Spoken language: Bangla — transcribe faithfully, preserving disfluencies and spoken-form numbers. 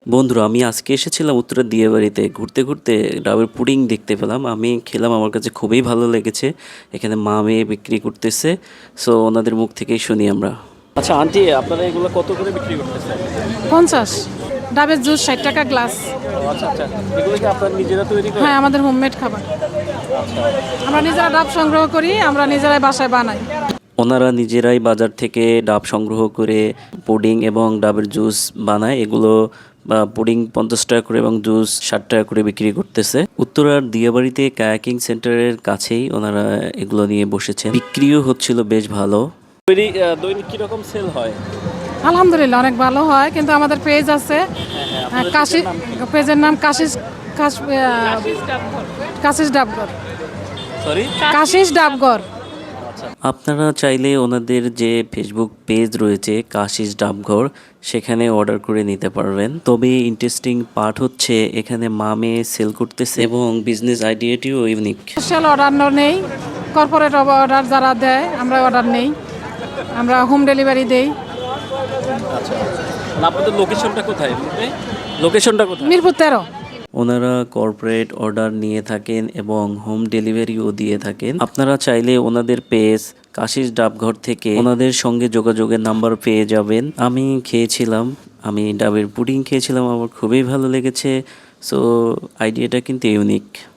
বন্ধুরা, আমি আজকে এসেছিলাম উত্তরার দিয়াবাড়িতে। ঘুরতে, ঘুরতে ডাবের পুডিং দেখতে পেলাম। আমি খেলাম, আমার কাছে খুবই ভালো লেগেছে। এখানে মা-মেয়ে বিক্রি করতেছে। সো ওনাদের মুখ থেকেই শুনি আমরা। আচ্ছা আন্টি, আপনারা এগুলো কত করে বিক্রি করতেছেন? পঞ্চাশ। ডাবের জুস ষাট টাকা গ্লাস। ও আচ্ছা, আচ্ছা। এগুলো কি আপনারা নিজেরা তৈরি করেন? হ্যাঁ, আমাদের হোমমেড খাবার। আচ্ছা। আমরা নিজেরা ডাব সংগ্রহ করি, আমরা নিজেরাই বাসায় বানাই। ওনারা নিজেরাই বাজার থেকে ডাব সংগ্রহ করে পুডিং এবং ডাবের জুস বানায়। এগুলো বা পুডিং পঞ্চাশ টাকা করে এবং জুস ষাট টাকা করে বিক্রি করতেছে। উত্তরার দিয়াবাড়িতে কায়াকিং সেন্টারের কাছেই ওনারা এগুলো নিয়ে বসেছেন। বিক্রিও হচ্ছিল বেশ ভালো। দৈনিক কিরকম সেল হয়? আলহামদুলিল্লাহ অনেক ভালো হয়, কিন্তু আমাদের পেজ আছে। হ্যাঁ, কাশি পেজের নাম কাশিস কাশ কাশিস ডাবঘর। সরি, কাশিস ডাবঘর। আপনারা চাইলে ওনাদের যে ফেসবুক পেজ রয়েছে কাশিস ডাবঘর, সেখানে অর্ডার করে নিতে পারবেন। তবে ইন্টারেস্টিং পার্ট হচ্ছে এখানে মামে সেল করতেছে এবং বিজনেস আইডিয়াটিও ইউনিক। স্পেশাল অর্ডার নেই, কর্পোরেট অর্ডার যারা দেয় আমরা অর্ডার নেই, আমরা হোম ডেলিভারি দেই। আচ্ছা, আপনাদের লোকেশনটা কোথায়? লোকেশনটা কোথায়? মিরপুর তেরো। ওনারা কর্পোরেট অর্ডার নিয়ে থাকেন এবং হোম ডেলিভারিও দিয়ে থাকেন। আপনারা চাইলে ওনাদের পেজ কাশিস ডাবঘর থেকে ওনাদের সঙ্গে যোগাযোগের নাম্বার পেয়ে যাবেন। আমি খেয়েছিলাম, আমি ডাবের পুডিং খেয়েছিলাম, আমার খুবই ভালো লেগেছে। সো আইডিয়াটা কিন্তু ইউনিক।